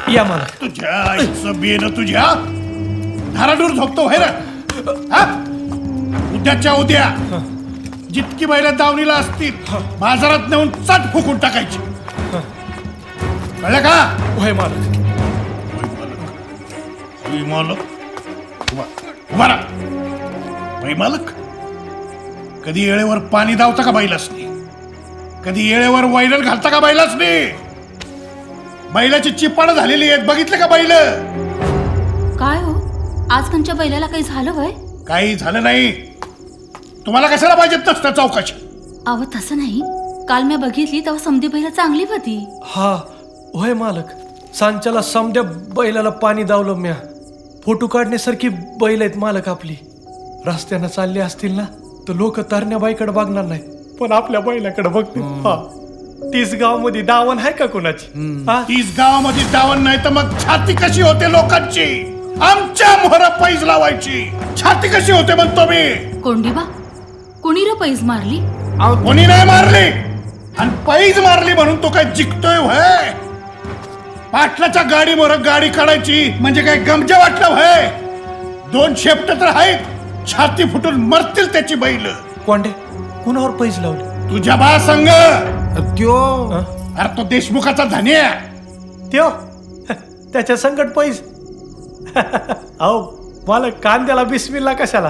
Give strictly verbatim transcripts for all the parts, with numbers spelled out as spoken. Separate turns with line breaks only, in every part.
या मालक.
तुझ्या आईचं बेन तुझ्या धाराडूर झोपतो व्हाय रे हा? उद्याच्या उद्या जितकी बैल दावणीला असतील बाजारात नेऊन चट फुकून टाकायची. कळलं का?
होय मालक.
वै मालक उभा राहा. वै मालक कधी येळेवर पाणी दावता का बैलासनी? कधी येळेवर वैरण घालता का बैलासनी? बैलाची चिपाड झालेली आहेत बघितलं का बैल?
काय हो आज तुमच्या बैलाला काही झालं वय?
काही झालं नाही. तुम्हाला कशाला पाहिजेत नसतं चौकशी?
अव तसं नाही, काल मी बघितली तेव्हा समधी बैल चांगली होती.
हा होय मालक. सांच्याला समद्या बैलाला पाणी दावलं म्या. फोटो काढण्यासारखी बैल आहेत मालक आपली. रस्त्यानं चालले असतील ना तर लोक तरण्या बाईकडे बघणार नाहीत पण आपल्या बैलाकडे बघतील. हा तीस गाव मध्ये दावण आहे का कोणाची? हा?
तीस गावामध्ये दावण नाही तर मग छाती कशी होते लोकांची? आमच्या मोहरा पैज लावायची छाती कशी होते म्हणतो मी.
कोंडीबा कुणी र पैज मारली?
कोणी नाही मारली आणि पैज मारली म्हणून तो काय जिंकतोय व्हय? पाटलाच्या गाडी मोर गाडी काढायची म्हणजे काय गमजे वाटलं व्हय? दोन शेपट तर आहेत, छाती फुटून मरतील त्याची बैल.
कोंडे कुणावर पैज लावले?
तुझ्या बा संग
त्यो
अरे तो देशमुखाचा धन्या.
त्यो त्याच्या संकट पैज. अहो मला कांद्याला बिस्मिल्ला कशाला?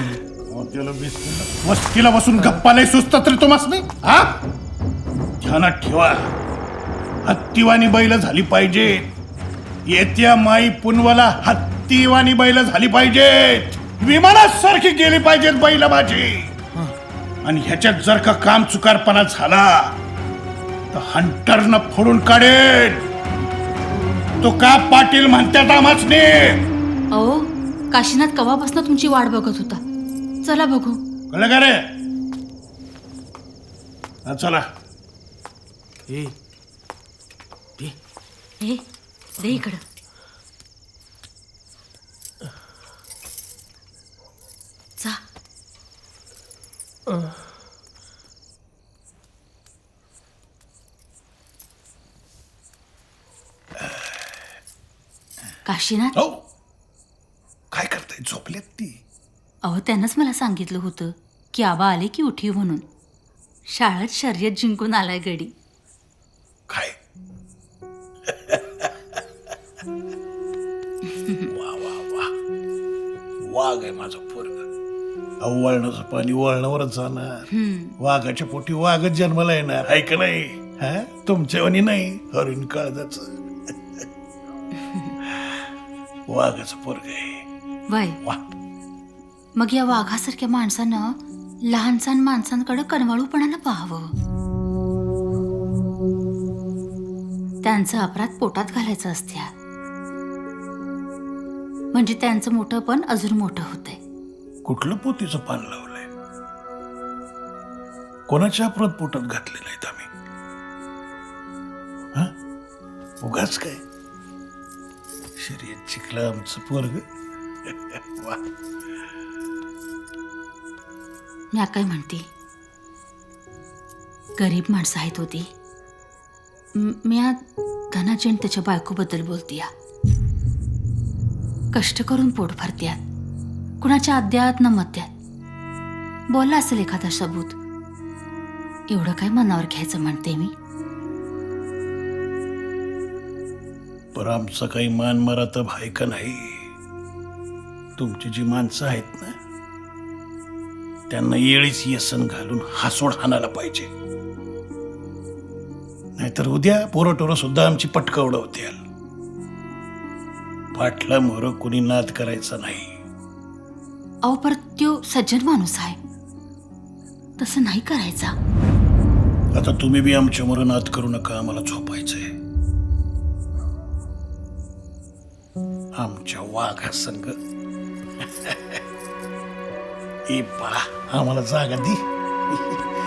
वस्तीला बसून गप्पा लय सुचतात तरी तुम्हास नाही हा? ध्यानात ठेवा हत्तीवानी बैल झाली पाहिजे. येत्या माई पुनवाला हत्तीवानी बैल झाली पाहिजेत. विमानासारखी गेली पाहिजेत बैल माझी. आणि ह्याच्यात जर का काम चुकारपणा झाला तर हंटरनं फोडून काढेल. तो का पाटील म्हणतात आम्हाच ने?
अहो काशीनाथ कवापासून तुमची वाट बघत होता. चला बघू.
कळलं का रे? हा, चला.
हे दे इकडं. जा. काशीनाथ
हो काय करताय? झोपलेत ती?
अहो त्यानंच मला सांगितलं होतं की आबा आले की उठीव म्हणून. शाळेत शर्यत जिंकून आलाय गडी.
काय वा वा वा वाघ आहे माझं पोरग. वळणाचं पाणी वळणावरच जाणार. वाघाच्या पोटी वाघच जन्माला येणार आहे का नाही? हा तुमच्यावानी नाही हरिण काळजाच वाघाचं पोरग आहे.
वय
वा
मग या वाघासारख्या माणसानं लहानसहान माणसांकडे कणवाळूपणानं पाहावं. त्यांचं अपराध पोटात घालायचं असत्या म्हणजे त्यांचं मोठं पण अजून मोठं होतंय.
कुठलं पोतीचं पान लावलंय? कोणाच्या अपराध पोटात घातलेलं आहेत आम्ही? हा उगाच काय शर्यत शिकलं आमचं पोरग. वा
मी काय म्हणते, गरीब माणसं आहेत होती. मी आज धनाजी आणि त्याच्या बायकोबद्दल बोलते. कष्ट करून पोट भरत्यात, कुणाच्या अद्यात न मध्यात. बोलला असेल एखादा सबूत, एवढं काय मनावर घ्यायचं म्हणते मी.
पर आमचा काही मान मरातब आहे का नाही? तुमची जी माणसं आहेत ना त्यांना येळीच येसन घालून हासोड हाणायला पाहिजे. नाहीतर उद्या पोरं टोरं सुद्धा आमची पटकं उडवतील. पाटला मोर कुणी नाद करायचा नाही.
अहो परत त्यो सज्जन माणूस आहे, तसं नाही करायचा.
आता तुम्ही बी आमच्या मोर नाद करू नका. आम्हाला झोपायचंय. आमच्या वाघा संग ए बा आम्हाला जागा दी.